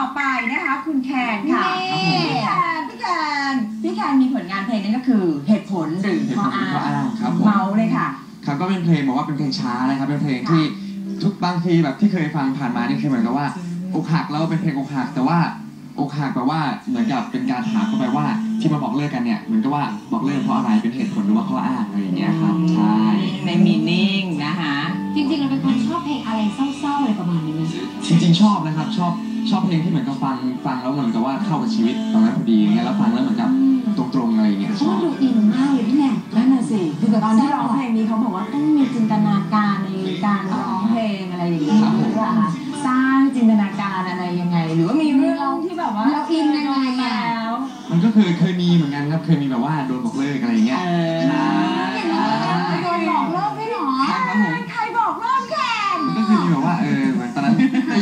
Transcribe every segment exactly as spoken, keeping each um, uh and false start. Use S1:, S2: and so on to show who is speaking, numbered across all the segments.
S1: อไปนะคะคุณแคนค่ะพี่แคนพี่แคนพี่แคนมีผลงานเพลงนั่นก็คือเหตุผลหรือข้ออ้างเมาเลยค่ะ
S2: ครับก็เป็นเพลงบอกว่าเป็นเพลงช้านะครับเป็นเพลงที่ทุกบางทีแบบที่เคยฟังผ่านมานี่คือเหมือนกับว่าอกหักแล้วเป็นเพลงอกหักแต่ว่าอกหักแปลว่าเหมือนกับเป็นการถามเข้าไปว่าที่มาบอกเลิกกันเนี่ยเหมือนกับว่าบอกเลิกเพราะอะไรเป็นเหตุผลหรือว่าข้ออ้างอะไรอย่างเงี้ยครับใช่
S1: ในมีนิ่งนะคะ
S3: จริงๆเราเป็นคนชอบเพลงอะไรเศร้าๆอะไรประมาณนี้ไหม
S2: จริงๆชอบนะครับชอบชอบเพลงที่เหมือนกับฟังฟังแล้วเหมือนกับว่าเข้ากับชีวิตตอนนั้นพอดีอย่างเงี้ยแล้วฟังแล้วเหมือนกับตรงๆอะไรอย่างเงี้ยชอบ
S3: ดูอินมากเลยพี่แม่
S1: นั่นน่ะสิคือแบบตอนที่ร้องเพลงนี้เขาบอกว่าต้องมีจินตนาการในการร้องเพลงอะไรอย่างเงี้ยหรือว่าสร้างจินตนาการอะไรยังไงหรือว่ามีเรื่องที่แบบว่า
S3: เราอินยังไงแล้ว
S2: มันก็คือเคยมีเหมือนกันครับเคยมีแบบว่าโดนบอกเลิกอะไรอย่างเงี้ยใช่
S3: โดนบอกเลิกไม่หรอ
S1: ใครบอกเลิกแค่
S2: มันก็คือมีแบบว่าเออเหมือนตอนนั้น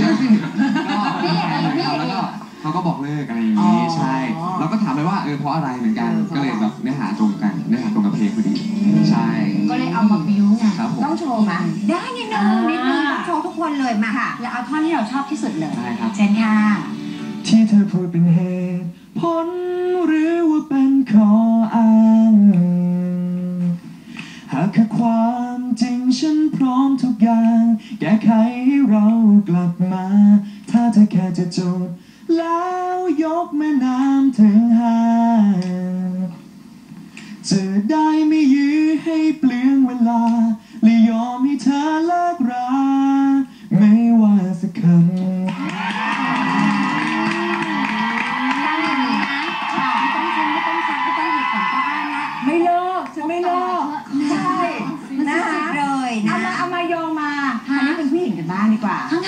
S2: ก็แล้วก็เขาก็บอกเลิกอะไรอย่างงี้ใช่เราก็ถามไปว่าเออเพราะอะไรเหมือนกันก็เลยแบบเนื้อหาตรงกันเนื้อหาตรงกับเพลงพอดีใช่
S1: ก็เลยเอามาบิ้วไงต้องโชว์มา
S3: ได้นิดนึงนิดนึงโชว์ทุกคนเลยมาค่ะแล้วเอาท่อนที่เราชอบที่สุดเลย
S2: ใช่ครับ
S3: เช่นค่ะ
S2: ที่เธอพูดเป็นเหตุผลหรือว่าเป็นข้ออ้างหากคือความจริงฉันพร้อมทุกอย่างแก้ไขให้เรากลับมาถ้าเธอแค่จะจบแล้วยกแม่น้ำถึงหาจะได้ไม่ยื้อให้เปลืองเวลา